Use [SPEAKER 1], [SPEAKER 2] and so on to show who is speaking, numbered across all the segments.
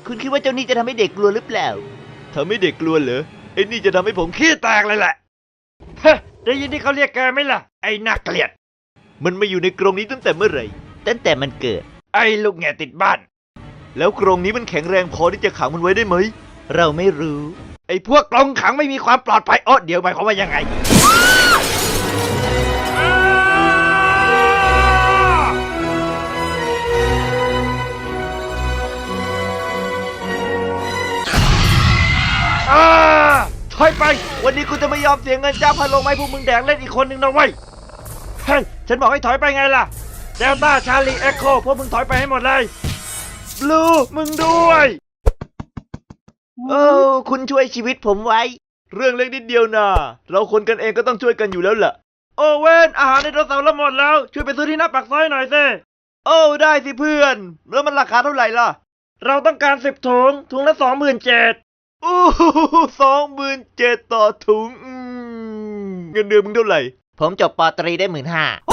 [SPEAKER 1] คุณคิดว่าเจ้านี่จะทำให้เด็กกลัวหรือเปล่าทำให้เด็กกลัวเหรอไอ้นี่จะทำให้ผมขี้แตกเลยแหละเฮ้ได้ยินที่เขาเรียกแกไหมล่ะไอ้น่าเกลียดมันมาอยู่ในกรงนี้ตั้งแต่เมื่อไหร่ตั้งแต่มันเกิดไอ้ลูกแง่ติดบ้านแล้วกรงนี้มันแข็งแรงพอที่จะขังมันไว้ได้ไหมเราไม่รู้ไอ้พวกกรงขังไม่มีความปลอดภัยเดี๋ยวหมายความว่ายังไงถอยไปวันนี้กูจะไม่ยอมเสียเงินจ้างพันลงไม้พวกมึงแดกเล่นอีกคนหนึ่งนะเว้ยเฮ้ยฉันบอกให้ถอยไปไงล่ะเดลต้าชาลีเอ็กโคพวกมึงถอยไปให้หมดเลยบลูมึงด้วยคุณช่วยชีวิตผมไว้เรื่องเล็กนิดเดียวนะเราคนกันเองก็ต้องช่วยกันอยู่แล้วล่ะโอเว่นอาหารในรถเสาร์ละหมดแล้วช่วยไปซื้อที่หน้าปากซอยหน่อยสิได้สิเพื่อนแล้วมันราคาเท่าไหร่ล่ะเราต้องการ10 ถุงละ 27,00027,000ต่อถุงเงินเดือนมึงเท่าไหร่ผมจบป.ตรีได้ 15,000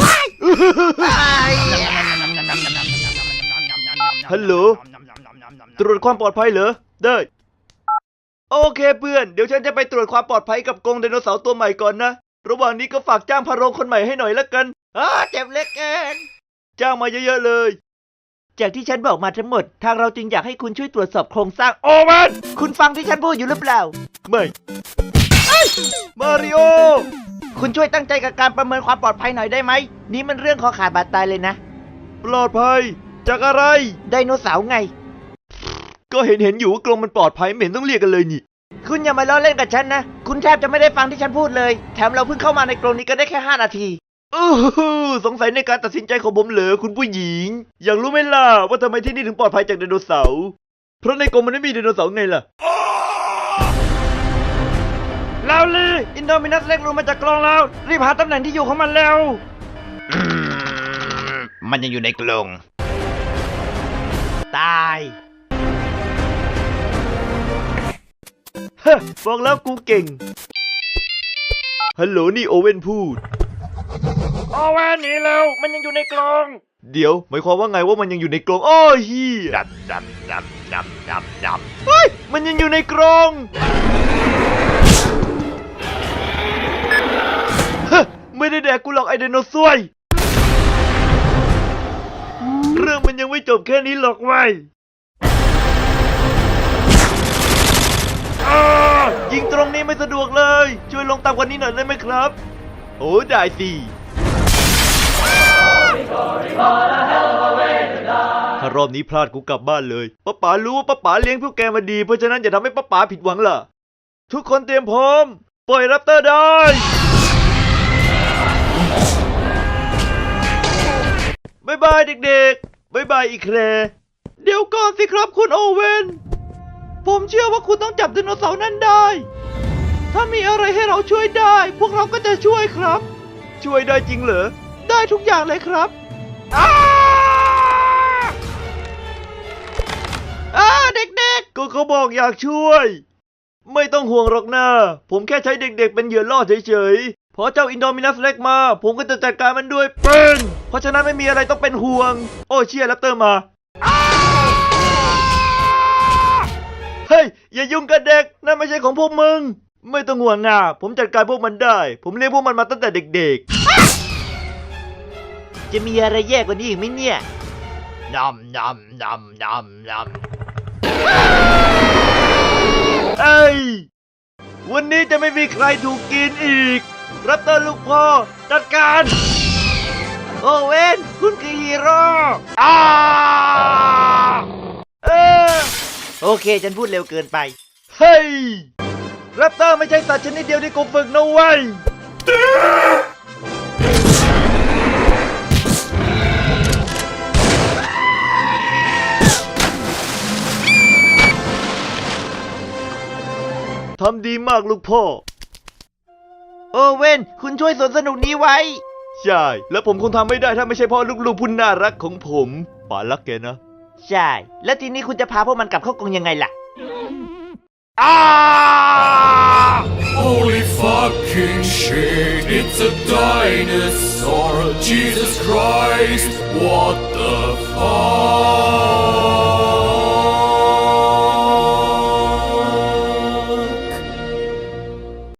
[SPEAKER 1] ฮัลโหลตรวจความปลอดภัยเหรอได้โอเคเพื่อนเดี๋ยวฉันจะไปตรวจความปลอดภัยกับกรงไดโนเสาร์ตัวใหม่ก่อนนะระหว่างนี้ก็ฝากจ้างพาโรงคนใหม่ให้หน่อยละกันเจ็บเล็กเองจ้างมาเยอะๆเลยจากที่ฉันบอกมาทั้งหมดทางเราจึงอยากให้คุณช่วยตรวจสอบโครงสร้างโอมันคุณฟังที่ฉันพูดอยู่หรือเปล่าไม่มาริโอคุณช่วยตั้งใจกับการประเมินความปลอดภัยหน่อยได้ไหมนี่มันเรื่องคอขาดบาดตายเลยนะปลอดภัยจากอะไรไดโนเสาร์ไงก็เห็นอยู่ว่ากรงมันปลอดภัยไม่เห็นต้องเรียกกันเลยนี่คุณอย่ามาล้อเล่นกับฉันนะคุณแทบจะไม่ได้ฟังที่ฉันพูดเลยแถมเราเพิ่งเข้ามาในกรงนี้ก็ได้แค่5 นาทีสงสัยในการตัดสินใจของผมเหรอคุณผู้หญิงอยากรู้ไหมล่ะว่าทำไมที่นี่ถึงปลอดภัยจากไดโนเสาร์เพราะในกรงมันไม่มีไดโนเสาร์ไงล่ะลาวลีอินโดมินัสเล็กรูมาจากกรงแล้วรีบหาตำแหน่งที่อยู่ของมันแล้วมันยังอยู่ในกรงตายบอกแล้วกูเก่งฮัลโหลนี่โอเว่นพูดโอเว่นหนีแล้วมันยังอยู่ในกรงเดี๋ยวหมายความว่าไงว่ามันยังอยู่ในกรงเฮียดำเฮ้ยมันยังอยู่ในกรงไม่ได้แดกกูหรอกไอไดโนเสาร์เรื่องมันยังไม่จบแค่นี้หรอกเว้ยยิงตรงนี้ไม่สะดวกเลยช่วยลงต่ำกว่านี้หน่อยได้ไหมครับโอ้ได้สิถ้ารอบนี้พลาดกูกลับบ้านเลยป้าป๋ารู้ว่าป้าป๋าเลี้ยงพวกแกมาดีเพราะฉะนั้นอย่าทำให้ป้าป๋าผิดหวังล่ะทุกคนเตรียมพร้อมปล่อยแรปเตอร์ได้บ๊ายบายเด็กๆบ๊ายบายอีแคร์เดี๋ยวก่อนสิครับคุณโอเว่นผมเชื่อว่าคุณต้องจับไดโนเสาร์นั้นได้ถ้ามีอะไรให้เราช่วยได้พวกเราก็จะช่วยครับช่วยได้จริงเหรอได้ทุกอย่างเลยครับเด็กๆก็เขาบอกอยากช่วยไม่ต้องห่วงหรอกนะผมแค่ใช้เด็กๆเป็นเหยื่อล่อเฉยๆพอเจ้าอินโดมินัสเล็กมาผมก็จะจัดการมันด้วยปืนเพราะฉะนั้นไม่มีอะไรต้องเป็นห่วงโอ้เชียร์แรปเตอร์มาเฮ้ยอย่ายุ่งกับเด็กนั่นไม่ใช่ของพวกมึงไม่ต้องห่วงนะผมจัดการพวกมันได้ผมเลี้ยงพวกมันมาตั้งแต่เด็กๆจะมีอะไรแย่กว่านี้อีกไหมเนี่ยนำเอ้ยวันนี้จะไม่มีใครถูกกินอีกแรปเตอร์ลูกพ่อจัดการโอเว่นคุณคือฮีโร่โอเคฉันพูดเร็วเกินไปเฮ้ยแรปเตอร์ไม่ใช่สัตว์ชนิดเดียวที่กูฝึกนะเว้ยทำดีมากลูกพ่อโอเว่นคุณช่วยสวนสนุกนี้ไว้ใช่แล้วผมคงทำไม่ได้ถ้าไม่ใช่พ่อลูกๆผู้น่ารักของผมป๋ารักแกนะใช่แล้วทีนี้คุณจะพาพวกมันกลับเข้ากรงยังไงล่ะ
[SPEAKER 2] Holy fucking shit, it's a dinosaur, Jesus Christ, what the fuck?